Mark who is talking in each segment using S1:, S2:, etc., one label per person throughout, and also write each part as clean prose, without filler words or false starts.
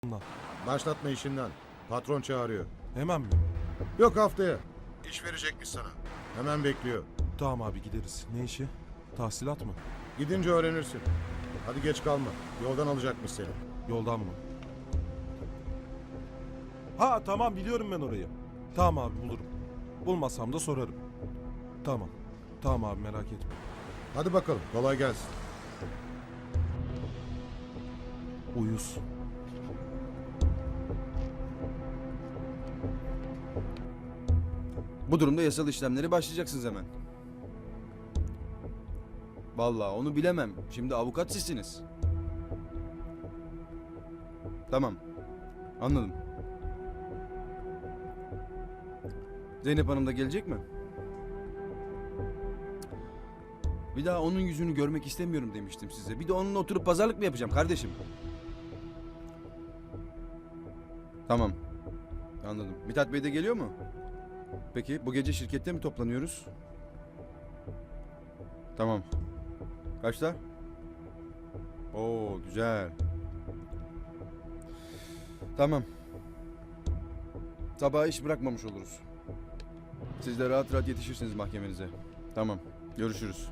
S1: Bundan.
S2: Başlatma işinden. Patron çağırıyor.
S1: Hemen mi?
S2: Yok, haftaya. İş verecekmiş sana. Hemen bekliyor.
S1: Tamam abi gideriz. Ne işi? Tahsilat mı?
S2: Gidince öğrenirsin. Hadi geç kalma. Yoldan alacakmış seni.
S1: Yoldan mı? Ha tamam biliyorum ben orayı. Tamam abi bulurum. Bulmasam da sorarım. Tamam. Tamam abi merak etme.
S2: Hadi bakalım, kolay gelsin.
S1: Uyuz.
S3: Bu durumda yasal işlemleri başlayacaksınız hemen. Vallahi onu bilemem. Şimdi avukat sizsiniz. Tamam. Anladım. Zeynep Hanım da gelecek mi? Bir daha onun yüzünü görmek istemiyorum demiştim size. Bir de onunla oturup pazarlık mı yapacağım kardeşim? Tamam. Anladım. Mithat Bey de geliyor mu? Peki bu gece şirkette mi toplanıyoruz? Tamam. Kaçta? Oo güzel. Tamam. Sabaha iş bırakmamış oluruz. Siz de rahat rahat yetişirsiniz mahkemenize. Tamam. Görüşürüz.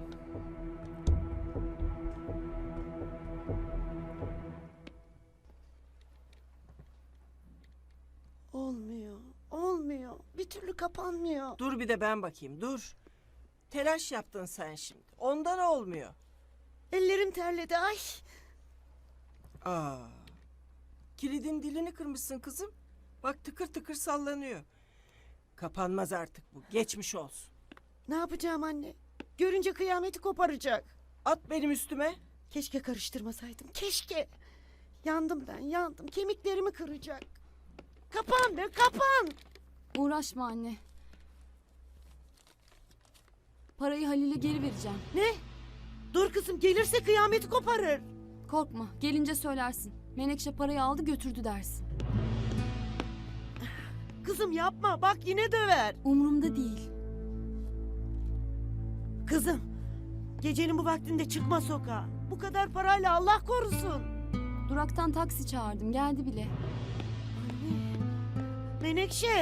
S4: Olmuyor, olmuyor. Bir türlü kapanmıyor.
S5: Dur bir de ben bakayım, dur. Telaş yaptın sen şimdi. Ondan olmuyor.
S4: Ellerim terledi, ay.
S5: Aa. Kilidin dilini kırmışsın kızım. Bak tıkır tıkır sallanıyor. Kapanmaz artık bu. Geçmiş olsun.
S4: Ne yapacağım anne? Görünce kıyameti koparacak.
S5: At benim üstüme.
S4: Keşke karıştırmasaydım, keşke. Yandım ben, yandım. Kemiklerimi kıracak. Kapan be, kapan.
S6: Uğraşma anne. Parayı Halil'e geri vereceğim.
S4: Ne? Dur kızım, gelirse kıyameti koparır.
S6: Korkma, gelince söylersin. Menekşe parayı aldı götürdü dersin.
S4: Kızım yapma, bak yine döver.
S6: Umurumda değil.
S4: Kızım, gecenin bu vaktinde çıkma sokağa. Bu kadar parayla Allah korusun.
S6: Duraktan taksi çağırdım, geldi bile.
S4: Anne, Menekşe.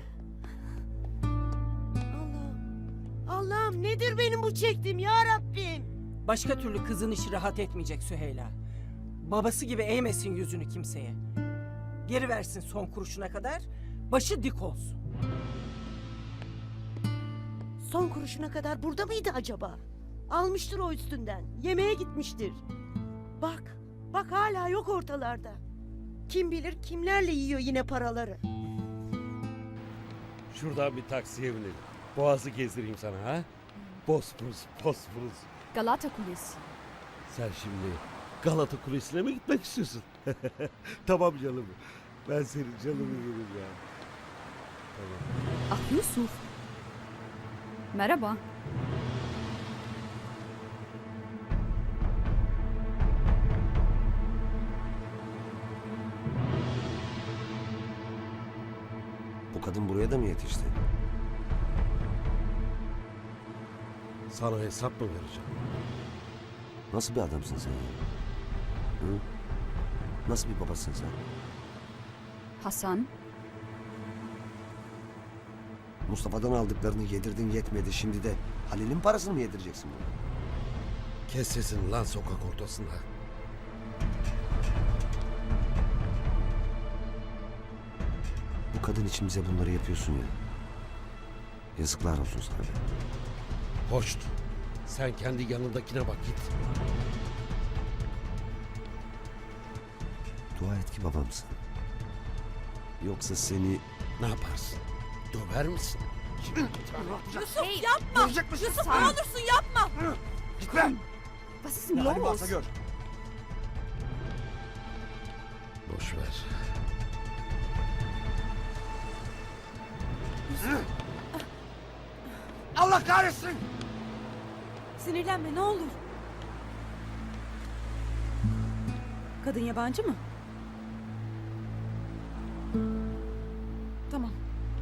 S4: Allah'ım, Allah'ım nedir benim bu çektiğim ya Rabbim?
S5: Başka türlü kızın işi rahat etmeyecek Süheyla. Babası gibi eğmesin yüzünü kimseye. Geri versin son kuruşuna kadar. Başı dik olsun.
S4: Son kuruşuna kadar burada mıydı acaba? Almıştır o üstünden. Yemeğe gitmiştir. Bak, bak hala yok ortalarda. Kim bilir kimlerle yiyor yine paraları.
S7: Şuradan bir taksiye binelim. Boğaz'ı gezdireyim sana ha. Bosporus, Bosporus.
S6: Galata Kulesi.
S7: Sen şimdi Galata Kulesi'ne mi gitmek istiyorsun? Tamam canım. Ben senin canını yerim ya.
S6: Ah Yusuf. Merhaba.
S8: Bu kadın buraya da mı yetişti?
S7: Sana hesap mı vereceğim?
S8: Nasıl bir adamsın sen ya? Hı? Nasıl bir babasın sen?
S6: Hasan.
S8: Mustafa'dan aldıklarını yedirdin yetmedi. Şimdi de Halil'in parasını mı yedireceksin bunu?
S7: Kes sesini lan sokak ortasında.
S8: Bu kadın için bize bunları yapıyorsun ya. Yazıklar olsun sana be.
S7: Hoşt. Sen kendi yanındakine bak git.
S8: Dua et ki babamsın. Yoksa seni...
S7: Ne yaparsın? Döver misin?
S5: Yusuf yapma! Yusuf ne olursun yapma!
S6: Was ist denn los?
S7: Boş ver.
S8: Allah kahretsin!
S9: Sinirlenme ne olur. Kadın yabancı mı? Tamam.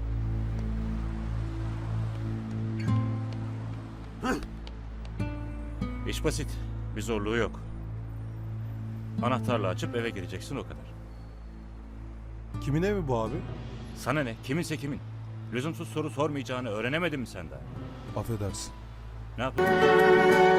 S10: İş basit. Bir zorluğu yok. Anahtarla açıp eve gireceksin o kadar.
S1: Kimin evi bu abi?
S10: Sana ne? Kiminse kimin. Lüzumsuz soru sormayacağını öğrenemedin mi sen daha?
S1: Affedersin.
S10: Ne yapıyorsun?